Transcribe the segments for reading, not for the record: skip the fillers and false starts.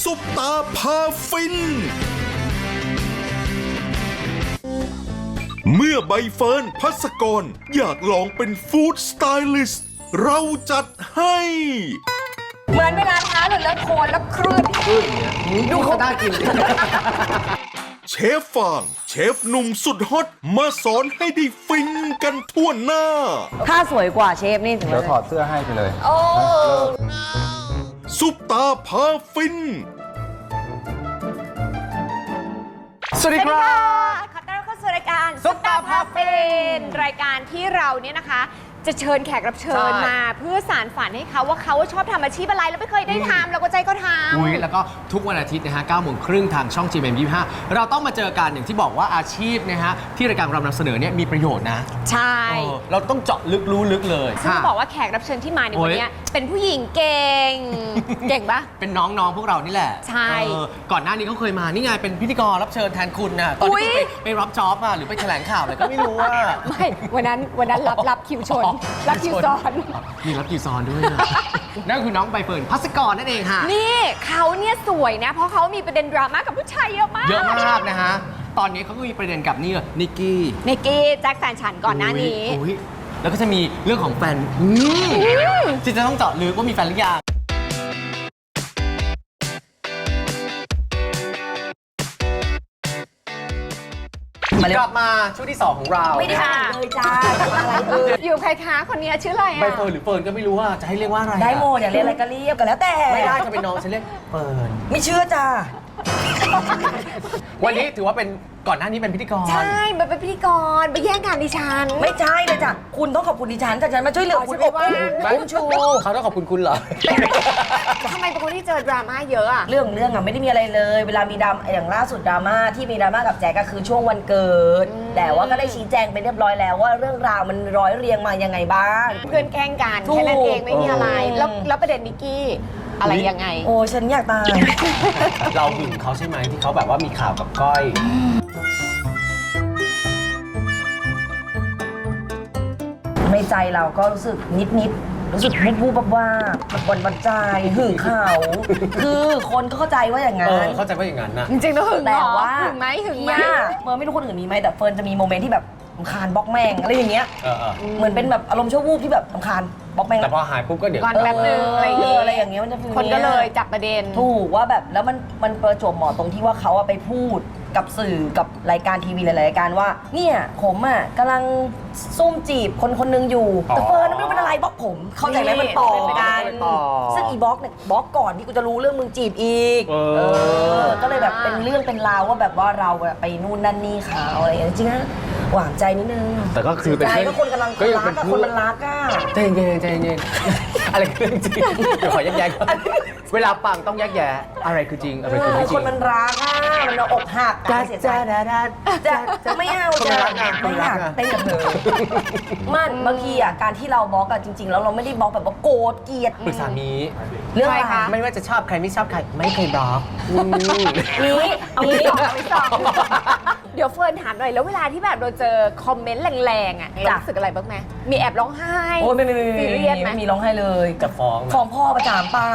ซุปตาพาฟินเมื่อใบเฟิร์นภัสกรอยากลองเป็นฟู้ดสไตลิสต์เราจัดให้เหมือนเวลาเท้าหลุดแล้วโคนแล้วคลื่นดูเขาได้กินเชฟฟางเชฟหนุ่มสุดฮอตมาสอนให้ได้ฟินกันทั่วหน้าถ้าสวยกว่าเชฟนี่ถึงเดี๋ยวถอดเสื้อให้ไปเลยโอ้ซุปตาพาฟินสวัสดีครับขอต้อนรับเข้าสู่รายการซุปตาพาฟินรายการที่เราเนี่ยนะคะ จะเชิญแขกรับเชิญใช่มา เพื่อสารฝันให้เขาว่าเขาชอบทำอาชีพอะไรแล้วไม่เคยได้ทำเราก็ใจก็ทำอุ๊ยแล้วก็ทุกวันอาทิตย์นะฮะ9 โมงครึ่งทางช่อง GMM25 เราต้องมาเจอกันอย่างที่บอกว่าอาชีพนะฮะที่รายการเรานำเสนอเนี่ยมีประโยชน์นะใช่เราต้องเจาะลึกรู้ลึกเลยซึ่งต้องบอกว่าแขกรับเชิญที่มาในวันเนี้ยเป็นผู้หญิงเก่ง เก่งปะเป็นน้องๆพวกเรานี่แหละใช่ก่อนหน้านี้เขาเคยมานี่ไงเป็นพิธีกรรับเชิญแทนคุณนะตอนอุ๊ที่ยคุณไปรับจ็อบอะหรือไปแถลงข่าวอะไรก็ไม่รู้ว่าไม่วันนั้นรับคิวชน รับคิวซ้อนมีรับคิวซ้อนด้วยนะ นั่นคือน้องใบเฟิร์นภัสกรนั่นเองค่ะนี่เขาเนี่ยสวยนะ เพราะเขามีประเด็นดราม่ากับผู้ชายเยอะมากเยอะมากนะฮะตอนนี้เขาก็มีประเด็นกับนี่นิกกี้นิกกี้แจ็คแฟนฉันก่อนหน้านี้อุ๊ยแล้วก็จะมีเรื่องของแฟนที่จะต้องเจาะลึกว่ามีแฟนหรือยังกลับมาช่วงที่ 2 ของเราไม่ได้อ่านเลยจ้าอะไรอยู่ใครคะคนนี้ชื่ออะไรใบอ่ะเฟิร์นหรือเฟิร์นก็ไม่รู้ว่าจะให้เรียกว่าอะไรได้โมดอยากเรียกอะไรก็เรียกกันแล้วแต่ไม่ได้จะเป็นน้องฉันเรียกเฟิร์นไม่เชื่อจ้าวันนี้ถือว่าเป็นก่อนหน้านี้เป็นพิธีกรใช่มันเป็นพิธีกรไปแย่งงานดิฉันไม่ใช่เลยจ้ะคุณต้องขอบคุณดิฉันแต่ฉันมาช่วยเหลือคุณอ๋ออบ ฉันไม่อุ้ว่างมชูเขาต้องขอบคุณคุณเหรอทำไมเป็นคนที่เจอดราม่าเยอะอ่ะเรื่องอะไม่ได้มีอะไรเลย เวลามีดราม่าอย่างล่าสุดดราม่าที่มีดราม่ากับแจ๊กก็คือช่วงวันเกิด แต่ว่าก็ได้ชี้แจงไปเรียบร้อยแล้วว่าเรื่องราวมันร้อยเรียงมายังไงบ้างเพื่อนแกล้งกันถูกแค่นั้นเองไม่มีอะไร แล้วประเด็นนิกกี้อะไรยังไงโอ้ฉันอยากตายเราหึงเขาใช่ไหมที่เขาแบบว่ามีข่าวกับก้อยในใจเราก็รู้สึกนิดรู้สึกวูบๆว่าบันใจหึงเขาคือคนก็เข้าใจว่าอย่างนั้นเข้าใจว่าอย่างนั้นนะจริงๆแล้วหึงแต่เหรอว่าหึงไหมหึงไหมเนี่ยเฟิร์นไม่รู้คนอื่นมีไหมแต่เฟิร์นจะมีโมเมนต์ที่แบบรำคาญบล็อกแม่งอะไรอย่างเงี้ย เหมือนเป็นแบบอารมณ์ชั่ววูบที่แบบรำคาญบล็อกแม่งแต่พอหายปุ๊บก็เดี๋ยวก่อนแป๊บนึงอะไรอย่างเงี้ยอะไรอย่างเงี้ยมันจะฟีลคนก็เลยจับประเด็นถูกว่าแบบแล้วมันประจวบเหมาะตรงที่ว่าเขาอะไปพูดกับสื่อกับรายการทีวีหลายๆรายการว่าเนี่ยผมอะกำลังซุ่มจีบคนนึงอยู่แต่เฟิร์นไม่รู้เป็นอะไรบล็อกผมเข้าใจไหมมันต่อกันต่อซึ่งอีบล็อกเนี่ยบล็อกก่อนที่กูจะรู้เรื่องมึงจีบอีก ก็เลยแบบเป็นเรื่องเป็นราวว่าแบบว่าเราอะไปนู่นนั่นนี่เขาอะไรอย่างเงี้ยจริงๆนะหวานใจนิดนึงแต่ก็คือเป็นใจเพื่อนก็คนกำลังก็ยังรัเป็กนอะพูคดนมันรักอะใจเย็นใจเย็น อะไรคือเรื่องจริงเดี๋ยวขอแยกแยะก่อนเวลาฟังต้องแยกแยะอะไรคือจริงอะไรคือไม่จครินงมันรักอะมันเอาอกหักอะเสียใจจะไม่เอาคนมันรักอะไม่อยากคนมันรักอะเต้นกับเธอมันบางทีอะการที่เราบล็อกอะจริงๆแล้วเราไม่ได้บล็อกแบบว่าโกรธเกลียดปรึกษามีเรื่องอะไรใครคะไม่ว่าจะชอบใครไม่ชอบใครไม่เคยบล็อกนี้เอางี้ไม่ตอบเดี๋ยวเฟิร์นถามหน่อยแล้วเวลาที่แบบเราเจอคอมเมนต์แรงๆอ่ะเรารู้สึกอะไรบ้างไหมมีแอบร้องไห้โอ้ยไม่ซีเรียสไหมมีร้องไห้เลยจะฟ้องฟ้องพ่อประจามป้า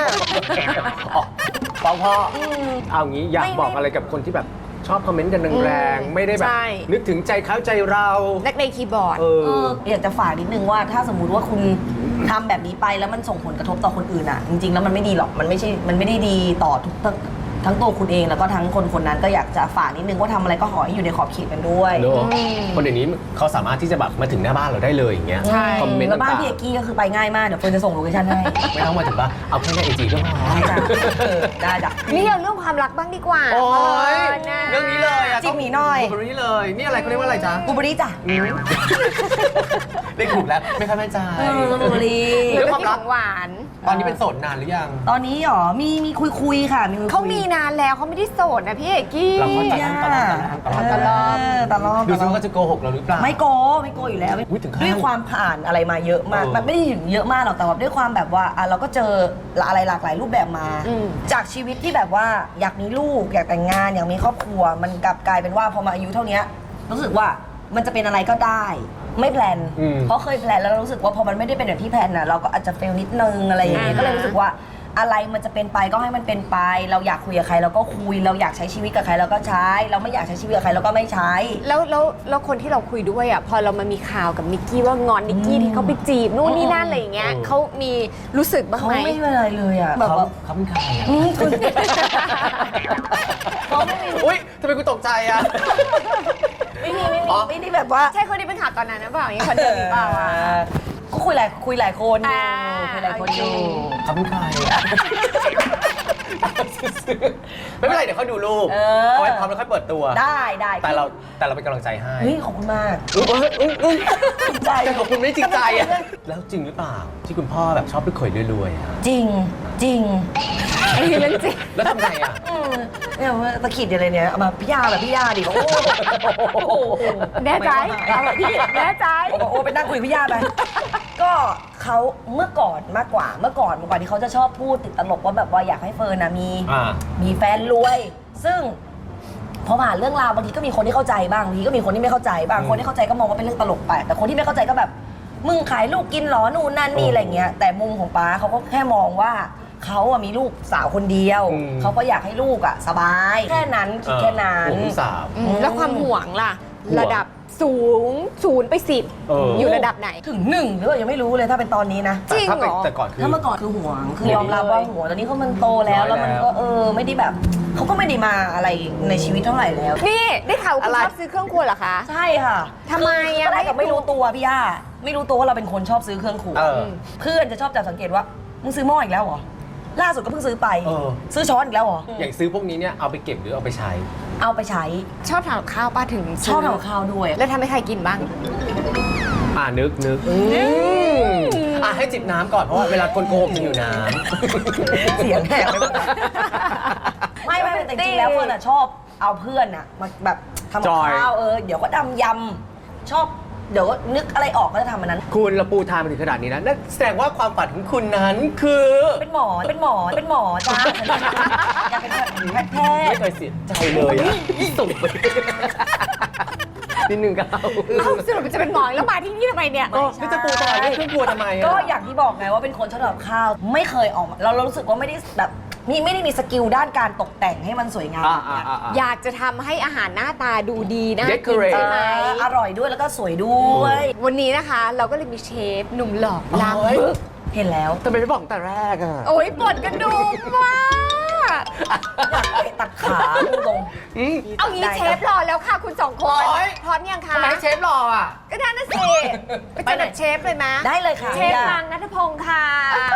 ฟ้องพ่อเอางี้อยากไม่บอกอะไรกับคนที่แบบชอบคอมเมนต์กันแรงๆไม่ได้แบบใช่นึกถึงใจเขาใจเรานักเลงคีย์บอร์ดอยากจะฝากนิดนึงว่าถ้าสมมุติว่าคุณทำแบบนี้ไปแล้วมันส่งผลกระทบต่อคนอื่นอ่ะจริงๆแล้วมันไม่ดีหรอกมันไม่ได้ดีต่อทั้งตัวคุณเองแล้วก็ทั้งคนนั้นก็อยากจะฝากนิดนึงว่าทำอะไรก็ขอให้อยู่ในขอบเขตกันด้วยเนอะคนเดี๋ยวนี้เขาสามารถที่จะแบบมาถึงหน้าบ้านเราได้เลยอย่างเงี้ยใช่คอมเมนต์แล้วบ้านต่างพี่เอกกี้ก็คือไปง่ายมากเดี๋ยวเฟิร์นจะส่งโลเคชั่นให้ๆไม่ต้องมาถึงบ้านเอาแค่ในไอจีก็พอได้จ้ะได้จ้ะนี่เอาเรื่องความรักบ้างดีกว่าโอ้ยนะเรื่องนี้เลยอะจิ้มหมีหน่อยเรื่องนี้เลยนี่อะไรเขาเรียกว่าอะไรจ๊ะบูเบอรี่จ้ะได้ถูกแล้วไม่ค่อยมั่นใจบูเบอรี่เรื่องของหวานตอนนี้เป็นโสดนานหรือยังตอนนี้หรอมีคุยค่ะมีคุยเขามีนานแล้วเขาไม่ได้โสดนะพี่เอกกี้เราเข้าใจตลอดดูซิว่าเขาจะโกหกเราหรือเปล่าไม่โกอยู่แล้วอุ๊ยถึงขั้นด้วยความผ่านอะไรมาเยอะมาก มันไม่ได้ถึงเยอะมากหรอกแต่ว่าด้วยความแบบว่าเราก็เจออะไรหลากหลายรูปแบบมา จากชีวิตที่แบบว่าอยากมีลูกอยากแต่งงานอยากมีครอบครัว มันกลับกลายเป็นว่าพอมาอายุเท่านี้รู้สึกว่ามันจะเป็นอะไรก็ได้ ไม่แพลนเพราะเคยแพลนแล้วรู้สึกว่าพอมันไม่ได้เป็นอย่างที่แพลนน่ะเราก็อาจจะเฟลนิดนึงอะไรอย่างเงี้ยก็เลยรู้สึกว่าอะไรมันจะเป็นไปก็ให้มันเป็นไป เราอยากคุยกับใครเราก็คุย เราอยากใช้ชีวิตกับใครเราก็ใช้ เราไม่อยากใช้ชีวิตกับใครเราก็ไม่ใช้แล้วคนที่เราคุยด้วยอ่ะพอเรามามีข่าวกับนิกกี้ว่างอนนิกกี้ที่เขาไปจีบนู่นนี่นั่นอะไรอย่างเงี้ยเขามีรู้สึกบ้างเขาไหมไม่เป็นไรเลยอ่ะแบบว่าเขาเป็นใครอ่ะคุณอุ้ยทำไมกูตกใจอ่ะไม่ได้แบบว่าใช่คนที่เป็นข่าวตอนนั้นหรือเปล่าอย่างคนเดิมหรือเปล่าอ่ะก็คุยหลายคนอยู่อ่าคุยหลายคนอยู่เขาเป็นใครอ่ะไม่เป็นไรเดี๋ยวเขาดูรูปเออเอาไว้พร้อมแล้วค่อยเปิดตัวได้แต่เราเป็นกำลังใจให้เฮ้ยขอบคุณมากใจขอบคุณไม่จริงใจอ่ะแล้วจริงหรือเปล่าที่คุณพ่อแบบชอบไปข่อยรวยๆอะจริงอันนี้เรื่องจริงแล้วทำไงอ่ะเนี่ยว่าตะขิดอะไรเนี่ยเอามาพี่ยาแบบพี่ยาดิโอ้โหแน่ใจเอาแบบพี่แน่ใจโอ้ไปนั่งคุยกับพี่ยาไป ก็เขาเมื่อก่อนมากกว่าเมื่อก่อนที่เขาจะชอบพูดติดตลกว่าแบบว่าอยากให้เฟิร์นนะมีแฟนรวย ซึ่งพอผ่านเรื่องราวบางทีก็มีคนที่เข้าใจบ้างบางทีก็มีคนที่ไม่เข้าใจบ้างคนที่เข้าใจก็มองว่าเป็นเรื่องตลกไปแต่คนที่ไม่เข้าใจก็แบบมึงขายลูกกินหรอนู่นนั่นนี่อะไรเงี้ยแต่มุมของป๊าเขาก็แค่มองว่าเขาอะมีลูกสาวคนเดียวเขาก็อยากให้ลูกอะสบายแค่นั้นคิดแค่นั้นห่วงลูกสาวแล้วความห่วงล่ะ ระดับสูง0 ไป 10 อยู่ระดับไหนถึง1หรือเปล่ายังไม่รู้เลยถ้าเป็นตอนนี้นะจริงเหรอแต่ก่อนคือถ้าเมื่อก่อนคือห่วงคือยอมรับว่าห่วงตอนนี้เขามันโตแล้วแล้วมันก็ไม่ได้แบบเขาก็ไม่ได้มาอะไรในชีวิตเท่าไหร่แล้วนี่ได้ข่าวว่าคุณชอบซื้อเครื่องครัวเหรอคะใช่ค่ะทำไมอะก็ได้กับไม่รู้ตัวพี่ย่าไม่รู้ตัวว่าเราเป็นคนชอบซื้อเครื่องครัว เพื่อนจะชอบจับสังเกตว่ามึงซื้อหม้ออีกแล้วเหรอล่าสุดก็เพิ่งซื้อไปซื้อช้อนอีกแล้วเหรออย่างซื้อพวกนี้เนี่ยเอาไปเก็บหรือเอาไปใช้เอาไปใช้ชอบทำกับข้าวป้าถึงชอบทำกับข้าวด้วยแล้วทำให้ใครกินบ้างนึกให้จิบน้ำก่อนเพราะว่าเวลาคนโกหกจะอยู่น้เสียงแหบไปหมดไม่แต่จริงๆแล้วเฟิร์นอะชอบเอาเพื่อนอะมาแบบทำกับข้าวเดี๋ยวก็ทำยำชอบเดี๋ยวนึกอะไรออกก็จะทำอันนั้นำคุณเราปูทางมาถึงขนาดนี้นะนั่นแสดงว่าความฝันของคุณนั้นคือเป็นหมอจ้าอยากเป็นแพทไม่ย์เคยเสียใจเลยอ่ะส่งไปนิดนึงก็เอาเอ้าสรุปมันจะเป็นหมอแล้วมาที่นี่ทำไมเนี่ยนี่จะปูทางเรื่องเครื่องครัวทำไมอ่ะก็อย่างที่บอกไงว่าเป็นคนชอบทำกับข้าว ไม่เคยออกมาเรารู้สึกว่าไม่ได้แบบไม่ได้มีสกิลด้านการตกแต่งให้มันสวยงามอยากจะทำให้อาหารหน้าตาดูดีนะกิน Decorate ใช่ไหมอร่อยด้วยแล้วก็สวยด้วยวันนี้นะคะเราก็เลยมีเชฟหนุ่มหล่อลามบึกเห็นแล้วทำไมไม่บอกแต่แรกอ่ะโอ้ยปวดกระดูกมากอยากเตะตัดขาตรงเอางี้เชฟรอแล้วค่ะคุณสองคนโอ๊ยพร้อมยังคะทำไมเชฟรออ่ะก็ได้นะสิไปเจอกับเชฟเลยไหมได้เลยค่ะเชฟนางณัฐพงศ์ค่ะ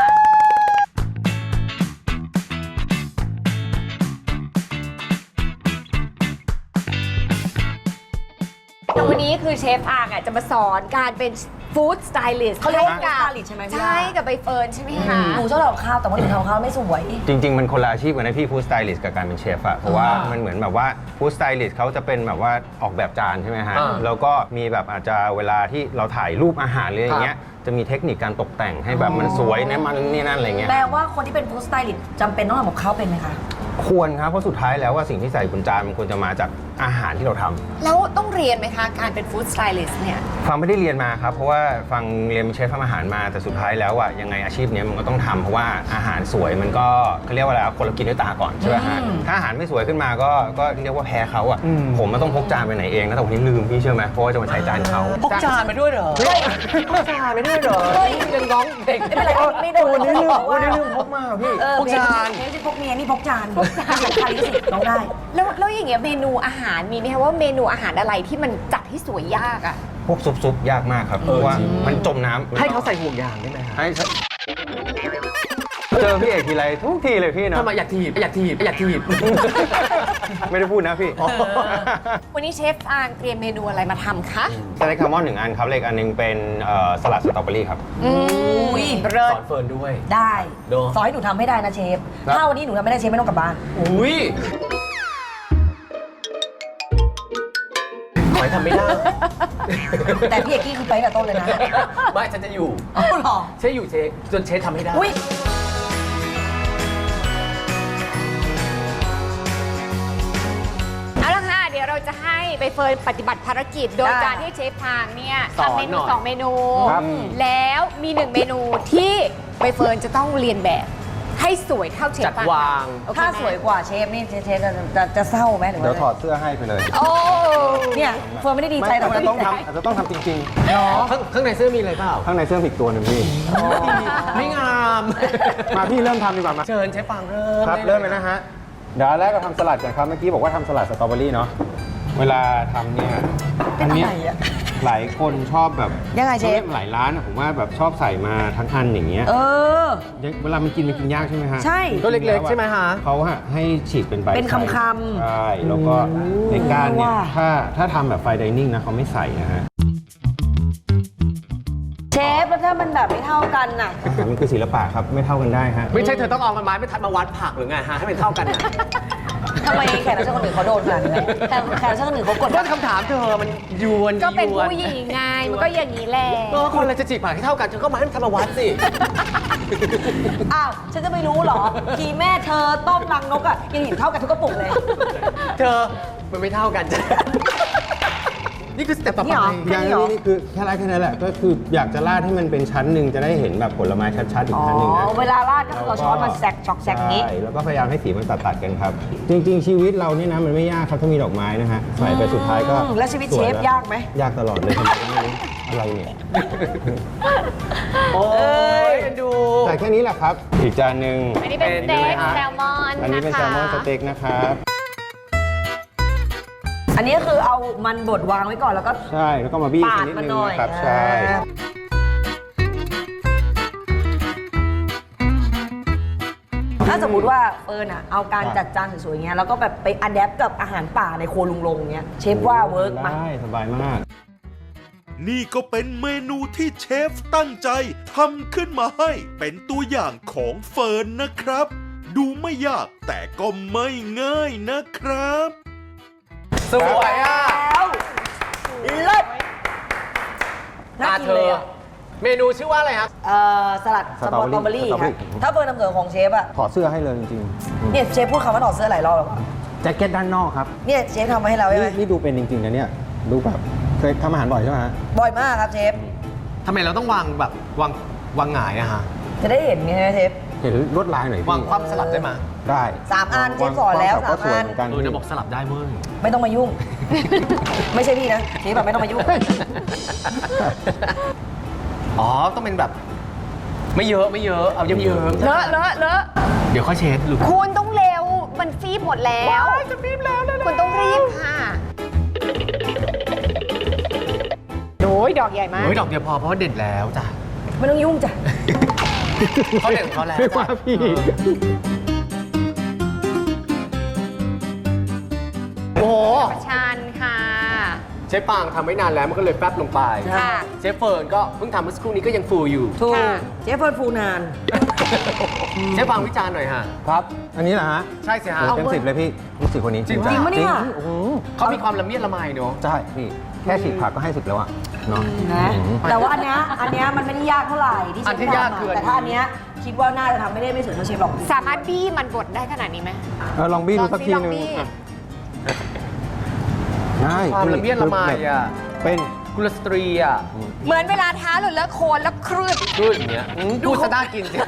แต่วันนี้คือเชฟอางจะมาสอนการเป็นฟู้ดสไตลิสต์เขาเรียกว่า food stylist ใช่ไหมพี่ใช่กับใบเฟิร์นใช่ไหมคะหนูชอบทำกับข้าวแต่ว่าหนูทำกับข้าวไม่สวยจริง ๆ มันคนละอาชีพกันนะพี่ฟู้ดสไตลิสต์กับการเป็นเชฟอะเพราะว่ามันเหมือนแบบว่าฟู้ดสไตลิสต์เขาจะเป็นแบบว่าออกแบบจานใช่ไหมฮะ แล้วก็มีแบบอาจจะเวลาที่เราถ่ายรูปอาหารอะไรอย่างเงี้ยจะมีเทคนิคการตกแต่งให้แบบมันสวยนะมันนี่นั่นอะไรเงี้ยแปลว่าคนที่เป็นฟู้ดสไตลิสต์จำเป็นต้องทำกับข้าวเป็นไหมคะควรครับเพราะสุดท้ายแล้วว่าสิ่งที่ใส่บนจานมันควรจะมาจากอาหารที่เราทำแล้วต้องเรียนไหมคะการเป็นฟู้ดสไตลิสต์เนี่ยฟังไม่ได้เรียนมาครับเพราะว่าฟังเรียนเป็นเชฟทำอาหารมาแต่สุดท้ายแล้วอะยังไงอาชีพเนี้ยมันก็ต้องทำเพราะว่าอาหารสวยมันก็เขาเรียกว่าอะไรคนเรากินด้วยตาก่อนใช่ไหมฮะถ้าอาหารไม่สวยขึ้นมาก็เรียกว่าแพ้เขาอะผมมันต้องพกจานไปไหนเองนะแต่วันนี้ลืมพี่เชื่อไหมเพราะว่าจะมาใช้จานเขาพกจานมาด้วยเหรอพกจานไปด้วยเหรอยังน้องเด็กไม่เป็นไรไม่โดนวันนี้ลืมพกมาพี่พกจานไม่ใช่พกเมียนี่พกจานสำคัญที่สุดน้องได้แล้วอย่างเงี้ยเมนูอาหารมีไหมคะว่าเมนูอาหารอะไรที่มันจัดให้สวยยากอะพวกซุปยากมากครับเพราะว่ามันจมน้ำให้เขาใส่ห่วงยางได้ไหมฮะให้เจอพี่เอกทีไรทุกทีเลยพี่นะทำไมอยากถีบไม่ได้พูดนะพี่วันนี้เชฟอางเตรียมเมนูอะไรมาทำคะสเต็กแซลมอน1 อันครับเลขอันหนึงเป็นสลัดสตรอเบอรี่ครับอุ้ยเลิศสอนเฟิร์นด้วยได้โดสอนให้หนูทำให้ได้นะเชฟ ถ้าวันนี้หนูทำไม่ได้เชฟไม่ต้องกลับบ้านอุ้ยขอให้ทำไม่ได้แต่พี่เอกกี้คือไปตั้งแต่ต้นเลยนะไม่ฉันจะอยู่เอาหรอเชฟอยู่เชฟจนเชฟทำให้ได้อุ้ยเอาละค่ะเดี๋ยวเราจะให้ใบเฟิร์นปฏิบัติภารกิจ โดยการที่เชฟทางเนี่ยสอนทำเมนูหน่อย 2 เมนูครับแล้วมี1 เมนูที่ใบเฟิร์นจะต้องเรียนแบบทให้สวยเท่าเชฟจัดปางวางโอเคถ้าไหมสวยกว่าเชฟนี่เชฟจะเศร้าไหมหรือเดี๋ยวถอว่าดเสื้อให้ไปเลยโอ้เนี่ยเฟิร์นไม่ได้ดีใจหรอกไม่แต่ต้องทำอาจจะต้องทำจริงข้างในเสื้อมีอะไรเปล่าๆ ข้างในเสื้อผิดตัวหนึ่งพี่ไม่งามมาพี่เริ่มทำดีกว่ามาเชิญเชฟปางเริ่มครับได้เริ่มเลยนะฮะ เดี๋ยวแรกเราทำสลัดกันครับ เมื่อกี้บอกว่าทำสลัดสตรอเบอรี่เนาะ เวลาทำเนี่ยเป็นอะไรอะหลายคนชอบแบบยังไงเชฟหลายร้านอะผมว่าแบบชอบใส่มาทั้งอันอย่างเงี้ยเออเวลามันกินยากใช่ไหมฮะใช่ตัวเล็กๆใช่ไหมฮะเขาให้ฉีกเป็นใบเป็นคำๆใช่ แล้วก็ในก้านเนี่ยว่าถ้าทำแบบไฟไดนิ่งนะเขาไม่ใส่นะฮะเชฟแล้วถ้ามันแบบไม่เท่ากันน่ะอาหารมันคือศิลปะครับ ไม่เท่ากันได้ฮะไม่ใช่เธอต้องเอาไม้ไม่ทัดมาวัดผักหรือไงฮะให้มันเท่ากันนะทำไมแขกรับเชิญคนอื่นเขาโดนขนาดนี้แขกรับเชิญคนอื่นเขากดก็คำถามเธอมันยวนก็เป็นยวนผู้หญิงไงมันก็อย่างนี้แหละก็คนเราจะจีบผักให้เท่ากันเธอก็มาให้มันทำมาวัดสิอ้าว ฉันจะไม่รู้เหรอ ทีแม่เธอต้มรังนกอ่ะยังเห็นเท่ากันทุกกระปุกเลยเธอมันไม่เท่ากันจ้ะนี่คือสเต็ปต่อนี่ไปเหรออย่างนี้นี่คือแค่นั้นแหละ ก็คืออยากจะราดให้มันเป็นชั้นหนึ่งจะได้เห็นแบบผลไม้ชัดๆอีกอ๋อชั้นหนึ่งนะเวลาราดก็คือเอาช้อนมาแซกช็อกแซกนี้ใช่แล้วก็พยายามให้สีมันตัดกันครับ จริง ๆ ชีวิตเรานี่นะมันไม่ยากครับถ้ามีดอกไม้นะฮะใส่ไปสุดท้ายก็แล้วชีวิตเชฟสยากไหมยากตลอดเลยทำไมก็ไม่รู้อะไรเนี่ยโอ้ยเอ็นดูแต่แค่นี้แหละครับ อีกจานหนึ่งอันนี้เป็นสเต็กแซลมอนอันนี้นะเป็นคะแซลมอนสเต็กนะครับอันนี้คือเอามันบดวางไว้ก่อนแล้วก็ใช่แล้วก็มาบี้ปาดนิดมันนึงหน่อยนะครับใช่ถ้าสมมติว่าเฟิร์นอ่ะเอาการจัดจานสวยๆอย่างเงี้ยแล้วก็แบบไปอัดแอปกับอาหารป่าในครัวลุงลงเงี้ยเชฟว่าเวิร์กไหมได้สบายมากนี่ก็เป็นเมนูที่เชฟตั้งใจทำขึ้นมาให้เป็นตัวอย่างของเฟิร์นนะครับ ดูไม่ยากแต่ก็ไม่ง่ายนะครับสวยอ่ะแล้วเลิศน่ากินเลยอ่ะเมนูชื่อว่าอะไรครับสลัดสตรอเบอรี่ครับถ้าเฟิร์นนำเสนอของเชฟอ่ะถอดเสื้อให้เลยจริงเนี่ยเชฟพูดคำว่าถอดเสื้อหลายรอบแล้วอะๆแจ็คเก็ตด้านนอกครับเนี่ยเชฟทำมาให้เราใช่ไหมนี่ดูเป็นจริงๆนะเนี่ยดูแบบเคยทำอาหารบ่อยใช่ไหมฮะบ่อยมากครับเชฟทำไมเราต้องวางแบบวางหงายอะฮะจะได้เห็นไงเชฟเห็นลวดลายหน่อยพี่วางความสลับได้ไหมได้ 3 อันเชฟสอนแล้วก็ส 3 วยอันเหมือนกันจะบอกสลับได้เว้ยไม่ต้องมายุ่ง ไม่ใช่พี่นะเชฟแบบไม่ต้องมายุ่งอ๋อ ต้องเป็นแบบ ไม่เยอะเอาเยิ้มเลอะเลอะเลอะๆเดี๋ยวค่อยเช็ดลูกคุณต้องเร็ว มันฟีบหมดแล้วจะฟีบแล้วคุณต้องรีบค่ะโอ้ยดอกใหญ่มากเฮ้ยดอกเดียวพอเพราะว่าเด็ดแล้วจ้ะไม่ต้องยุ่งจ้ะเขาเด็ดของเขาแล้วไม่จ้ะว่าพี่โอ้โหประชันค่ะเชฟปางทำไม่นานแล้วมันก็เลยแป๊บลงไปค่ะเชฟเฟิร์นก็เพิ่งทำเมื่อสักครู่นี้ก็ยังฟูอยู่ถูกค่ะเชฟเฟิร์นฟูนานเชฟปางวิจารณ์หน่อยฮะครับ อันนี้เหรอฮะใช่สิฮะโอ้เต็ม10เลยพี่รู้สึกคนนี้จริงจัจริงปะเนี่ยโอ้โหเขามีความละเมียดละไมเนาะใช่พี่แค่ฉีกผักก็ให้10แล้วอะเนาะนะแต่ว่าอันเนี้ยมันไม่ได้ยากเท่าไหร่ที่เชอันฟที่ยากทำคืออะอันนี้แต่ถ้าอันเนี้ยคิดว่าน่าจะทำไม่ได้ไม่สวยเท่าเชฟหรอกสามารถบี้มันบดได้ขนาดนี้ไหมลองบี้ดูสักทีลองนึงบี้ได้ความละเมียดละไมอ่ะเป็นกุลสตรีอ่ะเหมือนเวลาท้าหรือเลอะโคลนแล้วคลื่นดูอย่างเงี้ยพูดซะน่ากินสิ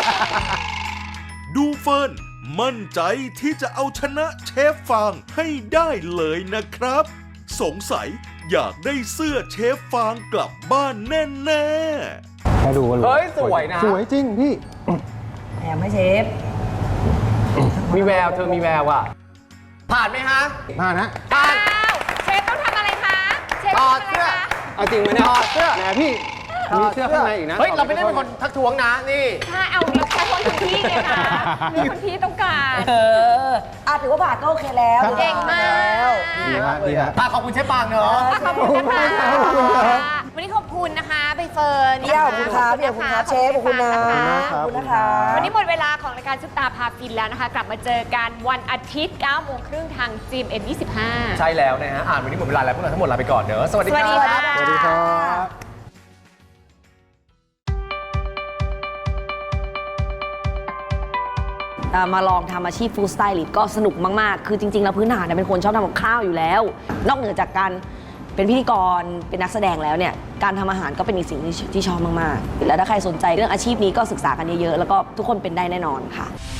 ดูเฟิร์นมั่นใจที่จะเอาชนะเชฟฟางให้ได้เลยนะครับ สงสัยอยากได้เสื้อเชฟฟางกลับบ้านแน่ๆแค่ดูก็รู้เฮ้ยสวยนะสวยจริงพี่แถมให้เชฟมีแววเธอมีแววอ่ะ ผ่านไหมฮะมานะผ่านอ้าวเชฟต้องทำอะไรคะ เชฟถต้อองดทำอะไรเสื้อคะเอาจริงไหมเนี่ยถอดเสื้อแหมพี่มีเสื้อข้างในอีกนะเฮ้ย เราไม่ได้เป็นคนทักท้วงนะ นี่ถ้าเอาเราใช้คนคุณพี่ไงคะมีคนพี่ต้องการถือว่าผ่านก็โอเคแล้วเก่งมากดีฮะดีฮะขอบคุณเชฟปางเนอะขอบคุณนะคะวันนี้ขอบคุณนะคะใบเฟิร์นพี่ขอบคุณครับพี่ขอบคุณครับเชฟขอบคุณนะขอบคุณนะคะวันนี้หมดเวลาของรายการซุปตาพาฟินแล้วนะคะ กลับมาเจอกันวันอาทิตย์ 9 โมงครึ่งทาง GMM25 ใช่แล้วนะฮะ วันนี้หมดเวลาแล้วพวกเราทั้งหมดลาไปก่อนเนอะสวัสดีสวัสดีครัค่ะบสวัสดีครับมาลองทำอาชีพฟู้ดสไตลิสต์ก็สนุกมาก ๆ คือจริง ๆ แล้วพื้นฐานเนี่ยเป็นคนชอบทำกับข้าวอยู่แล้ว นอกเหนือจากการเป็นพิธีกรเป็นนักแสดงแล้วเนี่ยการทำอาหารก็เป็นอีกสิ่งที่ชอบมากๆแล้วถ้าใครสนใจเรื่องอาชีพนี้ก็ศึกษากันเยอะๆแล้วก็ทุกคนเป็นได้แน่นอนค่ะ